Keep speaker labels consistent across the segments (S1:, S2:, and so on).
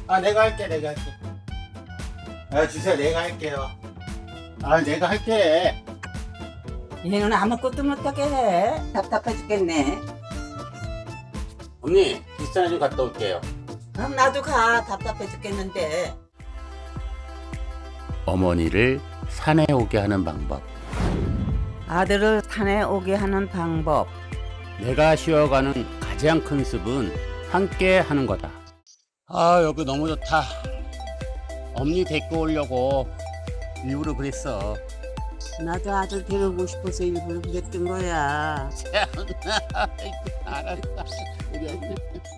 S1: 아, 내가 할게, 내가 할게. 아, 주세요, 내가 할게요. 아, 내가 할게.
S2: 얘는 아무것도 못하게 해. 답답해 죽겠네.
S1: 언니, 비싼 좀 갔다 올게요.
S2: 그럼 나도 가. 답답해 죽겠는데.
S3: 어머니를 산에 오게 하는 방법.
S2: 아들을 산에 오게 하는 방법.
S3: 내가 쉬어가는 가장 큰 습은 함께 하는 거다. 아, 여기 너무 좋다. 엄니 데리고 오려고 일부러 그랬어.
S2: 나도 아들 데려오고 싶어서 일부러 그랬던 거야.
S3: 알았어. 우리 엄니.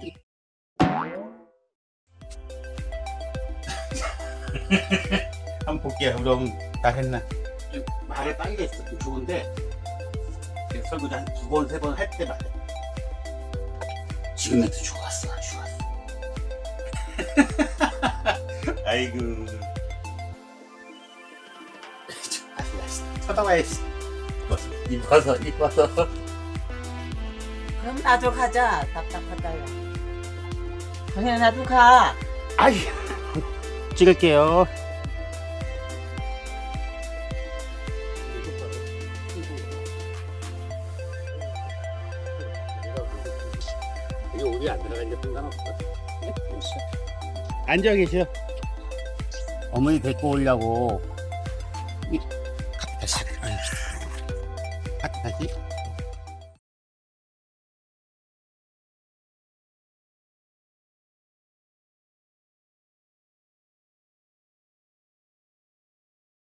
S1: 한번 볼게요. 우리 엄마 다 했나? 말에 빨개 있어. 좋은데 설거지 한 2번, 3번 할 때마다 지금 해도 좋았어. 아이고. 쳐다봐야지. 입어서.
S2: 그럼 나도 가자. 답답하다요. 그냥 나도 가.
S3: 아이, 찍을게요. 이거 우리 안 들어가니까 상관없어. 앉아 계셔. 어머니 데리고 오려고. 다시. 다시.